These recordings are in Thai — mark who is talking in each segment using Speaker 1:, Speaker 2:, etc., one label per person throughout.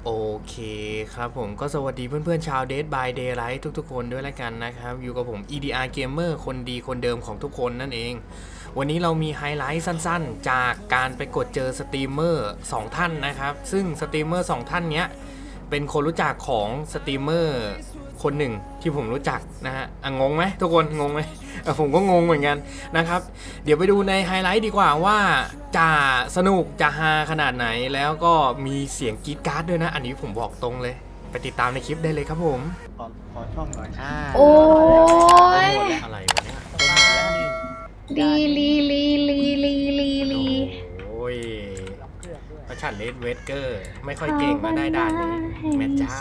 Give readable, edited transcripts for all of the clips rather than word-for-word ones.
Speaker 1: โอเคครับผมก็สวัสดีเพื่อนๆชาว Dead by Daylight ทุกๆคนด้วยแล้วกันนะครับอยู่กับผม EDR Gamer คนดีคนเดิมของทุกคนนั่นเองวันนี้เรามีไฮไลท์สั้นๆจากการไปกดเจอสตรีมเมอร์2ท่านนะครับซึ่งสตรีมเมอร์2ท่านเนี้ยเป็นคนรู้จักของสตรีมเมอร์คนหนึ่งที่ผมรู้จักนะฮะงงไหมทุกคนงงไหมผมก็งงเหมือนกันนะครับเดี๋ยวไปดูในไฮไลท์ดีกว่าว่าจะสนุกจะฮาขนาดไหนแล้วก็มีเสียงกรี๊ดกราร์ดด้วยนะอันนี้ผมบอกตรงเลยไปติดตามในคลิปได้เลยครับผม
Speaker 2: ขอช่องหน่อย
Speaker 3: โอ้ย
Speaker 1: อะไรวะเนี่ย
Speaker 3: ลี
Speaker 1: โอ้ยพระฉันเลดเวสเกอร์ไม่ค่อยเก่งมาได้ด่านนี้แม่เจ้า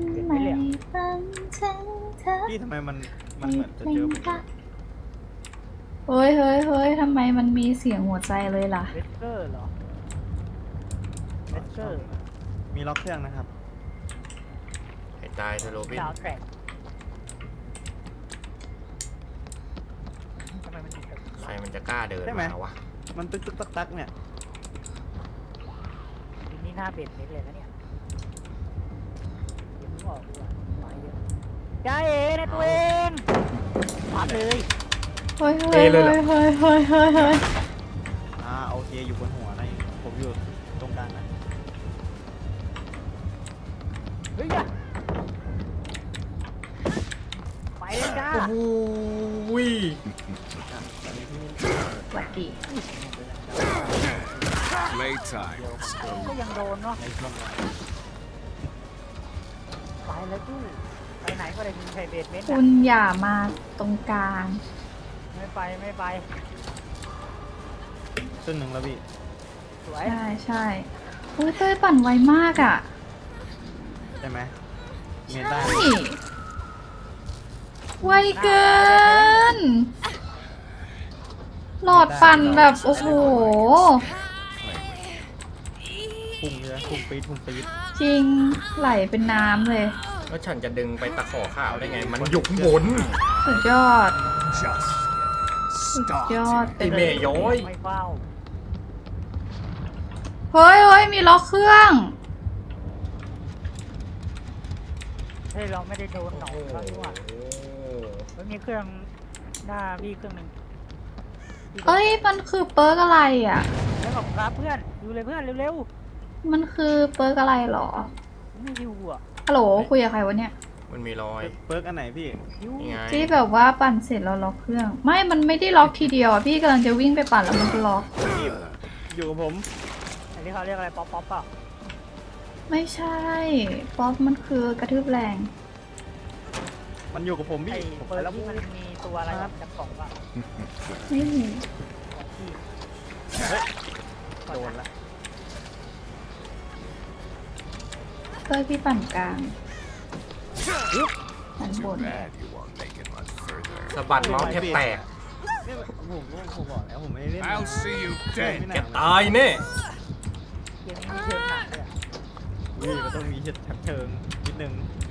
Speaker 2: พี่ทำไมมันเหมือนจะเจอผม
Speaker 3: เฮ้ยทำไมมันมีเสียงหัวใจเลยล่ะ
Speaker 4: เวสเกอร์เหรอเวสเกอร์
Speaker 2: มีล็อกเครื่องนะครับ
Speaker 1: ให้ตายเธอโรบิน
Speaker 4: ดาวแทร็กทำไมมันถึง
Speaker 1: ใครมันจะกล้าเดินมาวะ
Speaker 2: มันตึกตักเนี่ย
Speaker 4: ทีนี้หน้าเบ็ดเล็กเลยนะเนี่ยเดี๋ยวมึงออกดีกว่ามาเยอะจ้าเอ๋นะตัวเองปัดเลย
Speaker 3: เฮ้ย
Speaker 2: โอเคอยู่บนหัวนะผมอยู่ตรงกลางนะ
Speaker 4: เฮ้ยไปเลยจ้า
Speaker 1: โอ้ย
Speaker 3: สวัสดี
Speaker 4: ก็ยังโดนเนาะไปแล้วจู้ไปไหนก็ได้มีใครเบ็ดเม็ด
Speaker 3: คุณอย่ามาตรงกลาง
Speaker 4: ไม่ไป
Speaker 2: ต้นหนึ่งแล้วพี่
Speaker 4: สวย
Speaker 3: ใช่อุ้ยเต้ยปั่นไวมากอ่ะ
Speaker 2: ใช่ไหมเมนได้
Speaker 3: ไวเกินหลอดปั่นแบบโอ้โห
Speaker 2: พุ่งเลยพุ่งปี๊ด
Speaker 3: จริงไหลเป็นน้ำเลย
Speaker 1: แล้วฉันจะดึงไปตะขอข้าวได้ไงมันหยุกบน
Speaker 3: สุดยอด
Speaker 1: ไอเมย์ย้อย
Speaker 4: ไม่เฝ้า
Speaker 3: เฮ้ยมีล็อกเครื่อง
Speaker 4: เฮ้ยเราไม่ได้โดนหนองเขาดีกว่ามันมีเครื่องหน้าพี่เครื่องหนึ่ง
Speaker 3: เอ้ยมันคือเปิร์กอะไรอ่ะ
Speaker 4: แล้วบอกครับเพื่อนดูเลยเพื่อนเร็ว
Speaker 3: มันคือเปิร์กอะไรหรอ
Speaker 4: ไม่ฮิวอ่ะ
Speaker 3: ฮัลโหลคุยกับใครวะเนี่ย
Speaker 1: มันมีรอย
Speaker 2: เปิร์กอันไหนพี่
Speaker 3: ที่แบบว่าปั่นเสร็จแล้วล็อกเครื่องมันไม่ได้ล็อกทีเดียวอ่ะพี่กำลังจะวิ่งไปปั่นแล้วมันก็ล็อก
Speaker 2: อยู่กับผม
Speaker 4: อันนี้เขาเรียกอะไรป๊อปเปล่า
Speaker 3: ไม่ใช่ป๊อปมันคือกระทืบแรง
Speaker 2: มันอยู่กับผมพี่
Speaker 4: เปิดแล้วมันมีตัวอะไรจับกล่องป่ะ
Speaker 3: ไม่มี
Speaker 2: โดนละ
Speaker 3: เต้ยพี่ปั่นกลางปั่นบน
Speaker 1: สะบัดเมาส์แทบแตก
Speaker 2: ผมบอกแล้วผมไม่ได้เล่น
Speaker 1: แกตายแน่
Speaker 4: เกมนี้เชิงหนักเลย
Speaker 2: นี่มันต้องมีเชิงนิดนึง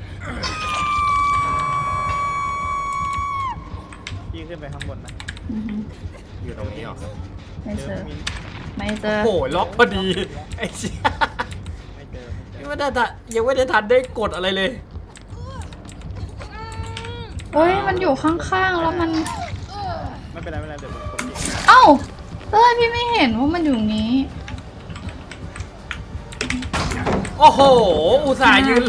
Speaker 2: พี่ขึ้นไปข้างบนนะ
Speaker 1: อยู่ตรงนี้หรอ
Speaker 3: ไม่เจอ
Speaker 1: โอ้โหล็อกพอดีไอ้เชี่ยยังไม่ได้ทันได้กดอะไรเลย
Speaker 3: โอ้ยมันอยู่ข้างๆแล้วมัน
Speaker 2: ไม่เป็นไรเดี๋ยวผม
Speaker 3: เอ้าเต้ยพี่ไม่เห็นว่ามันอยู่นี้
Speaker 1: โอ้โหอุตส่าห์ยืน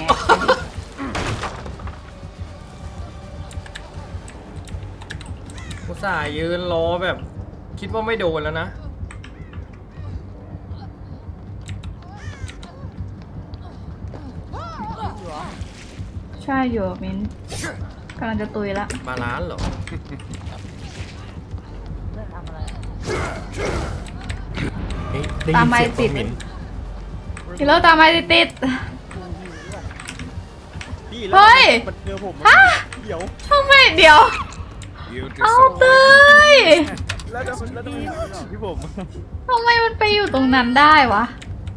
Speaker 1: อุตส่าห์ยืนรอแบบคิดว่าไม่โดนแล้วนะ
Speaker 3: ใช่อยู่มิ้นกำลังจะตุยละ
Speaker 1: บาลานซ์เหรอ
Speaker 4: เรื่องทำอะไร
Speaker 3: ตามไม้ติดพี่เลิกตามไม้ติดเฮ้ย
Speaker 2: เจอผมเดี๋ยว
Speaker 3: ทำไมเดี๋ยวเอาเต้ย
Speaker 2: แล้วพี่ผม
Speaker 3: ทำไมมันไปอยู่ตรงนั้นได้วะ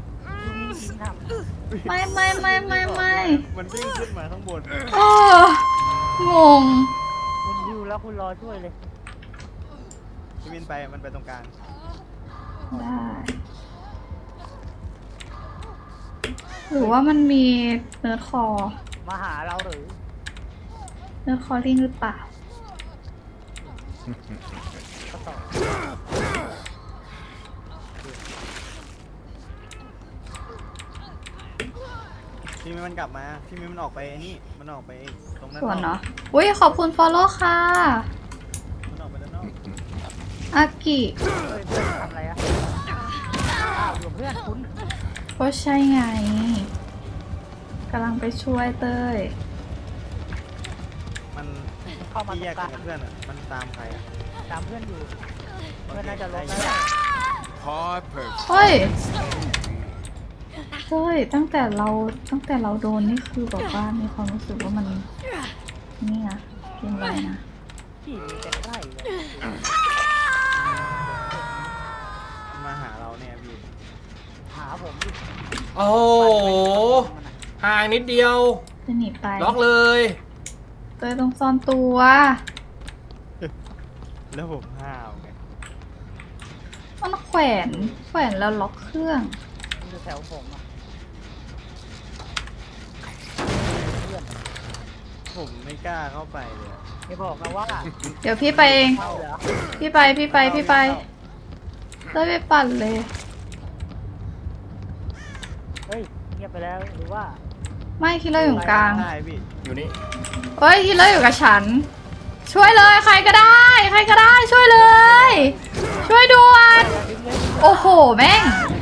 Speaker 3: ไม่
Speaker 2: มันวิ่งขึ้นมาข้างบน
Speaker 3: งง
Speaker 4: คุณดิวแล้วคุณรอช่วยเลย
Speaker 2: พี่วินมันไปตรงกลาง
Speaker 3: ได้หรือว่ามันมีเนื้อคอ
Speaker 4: มาหาเราหรือ
Speaker 3: เนื้อคอลิงหรือเปล่า
Speaker 4: ก็ต่อ
Speaker 2: พี่มิ้นมันกลับมาพี่มิ้นมันออกไปไอ้นี่มันออกไปตรงนั้น
Speaker 3: ส่วนเนาะอุ้ยขอบคุณ follow ค่ะ
Speaker 2: มันออกไปด้านนอก
Speaker 3: อากิ
Speaker 4: เฮ้ยเพื่อนทำอะไรอะอ้าวอยู่เพื่อนคุณ
Speaker 3: ก็ใช่ไงกำลังไปช่วยเต้ย
Speaker 2: มัน
Speaker 4: เข้ามา
Speaker 2: ที่
Speaker 4: ตร
Speaker 2: แย
Speaker 4: ง
Speaker 2: ก
Speaker 4: ก
Speaker 2: กั
Speaker 4: ลาน ง
Speaker 2: กับเพื่อนอ่ะมันตามใครอ่ะ
Speaker 4: ตามเพื่อนอยู่ เพื่อนน่าจะลง
Speaker 2: ได้
Speaker 4: แล้วแหละ
Speaker 3: เฮ้ยเฮ้ยตั้งแต่เราโดนนี่คือแบบว่ามีความรู้สึกว่ามันนี่นะเกมอะไรนะ
Speaker 4: ที่มีแต่ใกล้เลย
Speaker 2: มันมาหาเราเนี่ยพี่
Speaker 4: หาผมดิ
Speaker 1: โอ้โหห่างนิดเดียว
Speaker 3: จะหนีไป
Speaker 1: ล็อกเลย
Speaker 3: เต้ยต้องซ่อนตัว
Speaker 2: แล้วผมห้าวไง
Speaker 3: มันแขวนแล้วล็อกเครื่อง
Speaker 4: มันอยู่แถวผมอ่ะ
Speaker 2: ผมไม่กล้าเข้าไปเลยอะ
Speaker 4: ไม่บอกนะว่า
Speaker 3: เดี๋ยวพี่ไปเอง
Speaker 4: เข้าเหรอ
Speaker 3: พี่ไปเต้ยไปปั่นเลย
Speaker 4: เฮ้ยเงียบไปแล้วหรือว่า
Speaker 3: ไม่คิดเลยอยู่กลาง
Speaker 2: ได้พี่
Speaker 1: อยู่นี่
Speaker 3: เฮ้ยคิดเลยอยู่กับฉัน ช่วยเลยใครก็ได้ ช่วยเลย ช่วยด่วน
Speaker 4: ดึงเลย
Speaker 3: โอ้โหแม่ง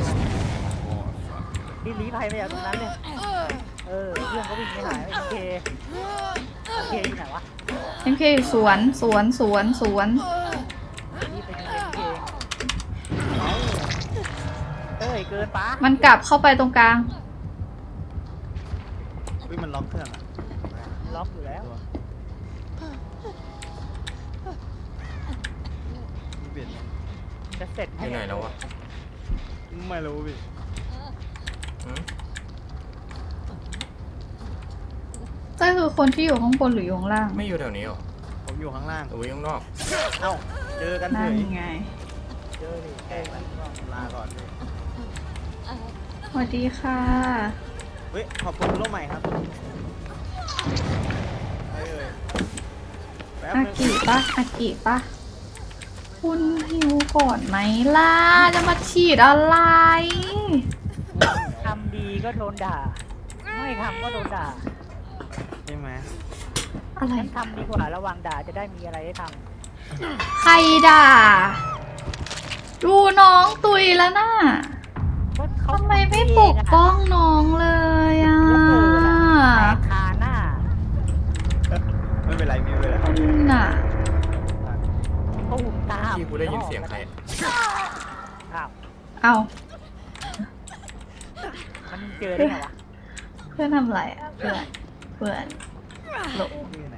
Speaker 4: รีบหนีภัยไปจากตรงนั้นเลยเออเพื่อนก็วิ่งไม่หายโอเคที่ไหนวะ
Speaker 3: MK อยู่สวน
Speaker 4: รีบไปยิงเองเอ้ยเกินปะ
Speaker 3: มันกลับเข้าไปตรงกลาง
Speaker 2: พี่มันล็อกเครื่องอ่ะ
Speaker 4: ล็อกอยู่แล้ว
Speaker 2: พี่เปลี่ยน
Speaker 4: จะเสร็จ
Speaker 1: อยู่ไหนแล้ววะ
Speaker 2: ไม่รู้พี่
Speaker 1: หืม
Speaker 3: เต้ยคือคนที่อยู่ข้างบนหรืออยู่ข้างล่าง
Speaker 1: ไม่อยู่แถวนี้หรอ
Speaker 2: ผมอยู่ข้างล่าง
Speaker 1: หรือว่าอยู่ข้างนอก
Speaker 2: เอ้าเจอกันเฉ
Speaker 3: นั่น
Speaker 2: ย
Speaker 3: ไง
Speaker 4: เจอดิแกมัน
Speaker 2: ลาก่อนพี่
Speaker 3: สวัสดีค่ะ
Speaker 2: เฮ้ยขอบคุณโลกใหม่ครับไปเลยแป๊บ
Speaker 3: อา
Speaker 2: นึง
Speaker 3: กิปะคุณหิวก่อนไหมล่ะ จะมาฉีดอะไร
Speaker 4: ทำดีก็โดนด่า ไม่ทำก็โดนด่า
Speaker 2: ใช่ไหม
Speaker 3: อะไร
Speaker 4: ฉันทำดีกว่าระวังด่าจะได้มีอะไรให้ท
Speaker 3: ใครด่า ดูน้องตุยแล้วน่ะ
Speaker 4: ำก็เขา
Speaker 3: ทำไมไม่ปกป้องน้องเลยอ่ะ
Speaker 4: แต่คาหน้า
Speaker 2: ไม่เป็นไรไม่เป็นไร
Speaker 3: น่ะ
Speaker 4: ตูมตาม
Speaker 1: ที่กูได้ยินเสียงใคร
Speaker 4: อ้าว
Speaker 3: เอา
Speaker 4: มันเจอได้ไงวะ
Speaker 3: เพื่อนทำอะไรอ่ะ เพื่อนหลบ
Speaker 2: ที่ไหน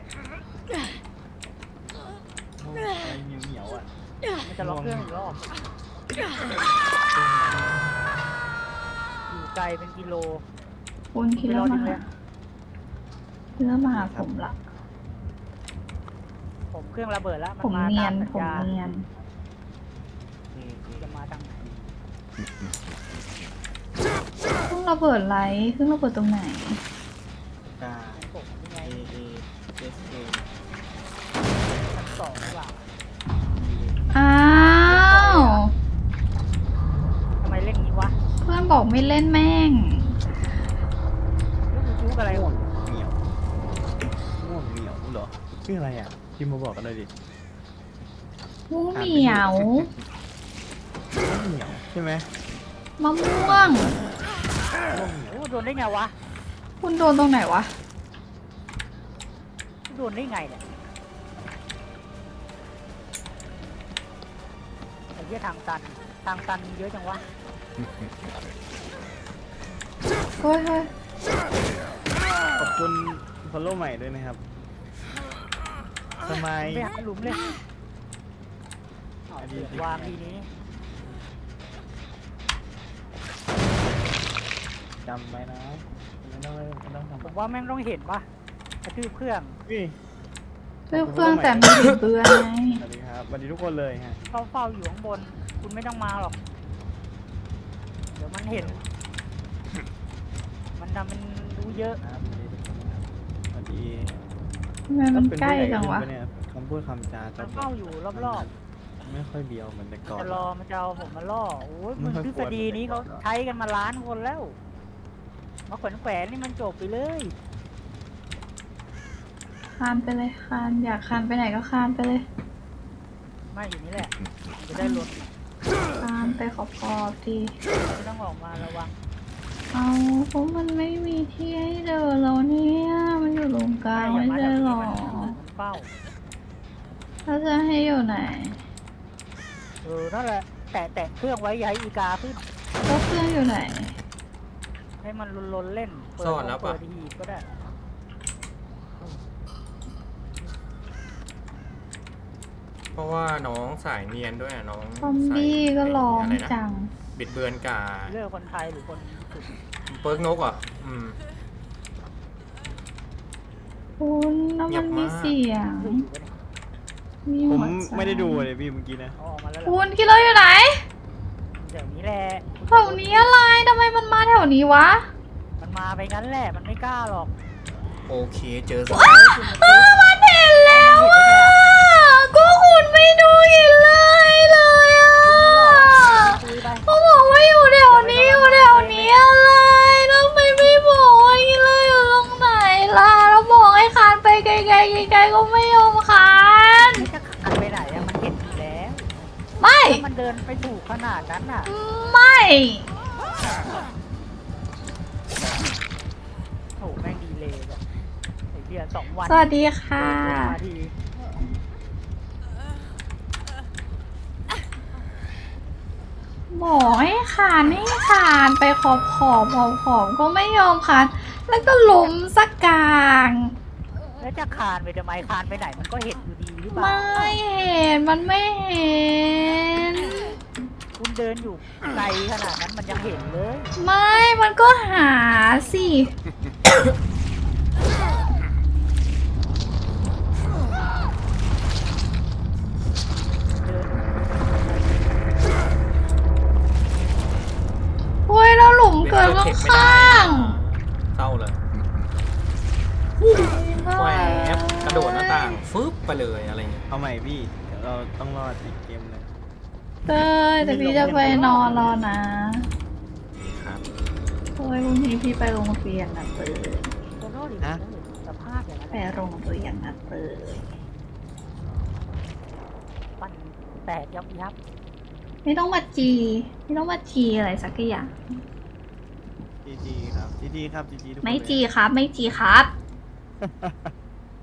Speaker 2: โอ้ยเหนียวๆอ่ะ
Speaker 4: มันจะล็อกเครื่องอีกรอบอยู่ไกลเป็นกิโล
Speaker 3: คุณคิดแล้วมาหาเพื่อมาหาผมละ
Speaker 4: ผมเครื่องระเบิดแล้ว
Speaker 3: ผม
Speaker 4: มา
Speaker 3: เนีย
Speaker 4: ตาน สัญ
Speaker 3: ผม
Speaker 4: ญา
Speaker 3: เนียน
Speaker 4: จะมาทางไหน
Speaker 3: เครื่องระเบิดไรเครื่องระเบิดตรงไหน
Speaker 2: กา
Speaker 4: ผมยังไง
Speaker 2: A A S A
Speaker 4: ชั้นสองหรือเปล่า
Speaker 3: อ้าว
Speaker 4: ทำไมเล่นงี้วะ
Speaker 3: เพื่อนบอกไม่เล่นแม่ง
Speaker 4: ลูกจุกอะไร
Speaker 2: ง่วงเหนียวง่วงเหนียวเหรอชื่ออะไรอ่ะพิมพ์มาบอกกันเลยดิ
Speaker 3: มูเหมียว
Speaker 2: ง่วงเหนียวใช่ไหม
Speaker 3: มะม่วง
Speaker 2: ง่วงเหนียว
Speaker 4: โอ้โดนได้ไงวะ
Speaker 3: คุณโดนตรงไหนวะ
Speaker 4: โดนได้ไงเนี่ยไอ้เหี้ยทางตันมีเยอะจังวะ
Speaker 3: เฮ้ยเฮ้ย
Speaker 2: ขอบคุณฟอลโล่ใหม่ด้วยนะครับทำไม
Speaker 4: ไปหาหลุมเลยเอาวางทีนี้
Speaker 2: จำไว้นะไม่ต้อง
Speaker 4: ผ
Speaker 2: ทำ
Speaker 4: มว่าแม่งต้องเห็นปะกระทืบเครื่อง
Speaker 2: พี่
Speaker 3: เลือกเครื่องแต่ไม่ถึงเบื่อไง
Speaker 2: สวัสดีครับสวัสดีทุกคนเลยฮะ
Speaker 4: เขาเฝ้าอยู่ข้างบน คุณไม่ต้องมาหรอก เดี๋ยวมันเห็น มันนะมันรู้เยอะ
Speaker 2: ครับสวัสดี
Speaker 3: ทำไมมันใกล้จังวะ
Speaker 2: เป็นผู้ใหญ่ขึ้นปเนี่ยคำพูดคำจา
Speaker 4: มั
Speaker 2: จะ
Speaker 4: นเฝ้าอยู่รอบ
Speaker 2: ไม่ค่อยเบียวเหมือนแต่ก่อน
Speaker 4: จะรอมันจะเอาผมมาล่อโอ้ยมึง
Speaker 2: ไม่ค่อย
Speaker 4: ทฤษฎีนี้
Speaker 2: กลัว
Speaker 4: เขาใช้กันมาล้านคนแล้วมาแขวนนี่มันจบไปเลย
Speaker 3: คานไปเลยคานอยากคานไปไหนก็คานไปเลย
Speaker 4: ไม่อยู่นี่แหละจะได้ลด
Speaker 3: คานไปขอบๆที
Speaker 4: ไม่ต้องออกมาระวัง
Speaker 3: เอาเพราะมันไม่มีที่ให้เดินแล้วเนี่ยมันอยู่ตรงกลางไม่ใช่หรอ
Speaker 4: มันเฝ้า
Speaker 3: ถ้าจะให้อยู่ไหน
Speaker 4: นั่นแหละแตะเครื่องไว้อย่าให้อีกาขึ้น
Speaker 3: ก็เครื่องอยู่ไหน
Speaker 4: ให้มันลนๆเล่นเปิด
Speaker 1: ซ่อนแล้วปะ
Speaker 4: เปิดหีบก็ได้
Speaker 1: เพราะว่าน้องสายเนียนด้วยอะน้อง
Speaker 3: ซอมบี้ก็ร้อง
Speaker 1: อะไรนะ
Speaker 3: จัง
Speaker 1: บิดเบือนกา
Speaker 4: เลือกคนไทยหรือคนสุด
Speaker 1: เปิร์กนกเหรอ่ะ
Speaker 3: คุณแล้ว
Speaker 1: เงี
Speaker 3: มั
Speaker 1: ย
Speaker 3: น
Speaker 1: บ
Speaker 3: มี
Speaker 1: มาก
Speaker 3: เสียง มี
Speaker 2: ผม
Speaker 3: หัวใจ
Speaker 2: ไม่ได้ดูเลยพี่เมื่อกี้นะ
Speaker 4: เอาออกมาแล้วแหละ
Speaker 3: คุณคิดเราอยู่ไหน
Speaker 4: เดี๋ยวนี้แหละ
Speaker 3: แถวนี้อะไรทำไมมันมาแถวนี้วะ
Speaker 4: มันมาไปงั้นแหละมันไม่กล้าหรอก
Speaker 1: โอเคเจอสัก
Speaker 3: มันเห็นแล้วอ่ะก็คุณไม่ดูหินเลยอ่ะ
Speaker 4: คุยไป
Speaker 3: เขาบอกว่าอยู่แถวนี้อยู่แถวนี้อะไรแล้วทำไมไม่บอกว่าหินเลยอยู่ตรงไหนล่ะแล้วบอกให้คานไปไกลๆไกลๆก็ไม่ยอมคาน
Speaker 4: ไม่จะขันไปไหนอะมันเห็นอยู่แล้ว
Speaker 3: ไม่
Speaker 4: ถ้ามันเดินไปถูกขนาดนั้นน่ะ
Speaker 3: ไม่
Speaker 4: โหแม่งดีเลยแบบไอ้เหี้ย2 วัน
Speaker 3: สวัสดีค่ะ
Speaker 4: มาที
Speaker 3: บอกให้คานให้คานไปขอบก็ไม่ยอมคานแล้วก็ล้มสักกลาง
Speaker 4: แล้วจะคานไปทำไมคานไปไหนมันก็เห็นอยู่ดีหรือเปล่า
Speaker 3: ไม่เห็นมันไม่เห็น
Speaker 4: คุณเดินอยู่ไกลขนาดนั้นมันยังเห็นเลย
Speaker 3: ไม่มันก็หาสิ
Speaker 4: เดิน
Speaker 3: เฮ้ยแล้วหลุมเกิดข้าง
Speaker 1: เศร้าเลย
Speaker 3: ๆ
Speaker 1: แหวบกระโดดหน้าต่างฟึบไปเลยอะไรเงี้ย
Speaker 2: เอาใหม่พี่เดี๋ยวเราต้องรอดอีกเกมหนึง
Speaker 3: เต้ยแต่พี่จะไปนอนรอนะ
Speaker 1: นี่ครับ
Speaker 3: เฮ้ยพรุ่งนี้พี่ไปโรงเรียนนะเต้ย
Speaker 4: โดนโน่ดิสภาพอย่างนั้น
Speaker 3: ไปโรงเรียนนะเต้ย
Speaker 4: ปั้นแตกยับยับ
Speaker 3: ไม่ต้องมาจีไม่ต้องมาจีอะไรสักอย่าง
Speaker 2: จีจีครับจีจีครับจีจีทุกคน
Speaker 3: ไม่
Speaker 2: เลย
Speaker 3: จีครับไม่จีครับ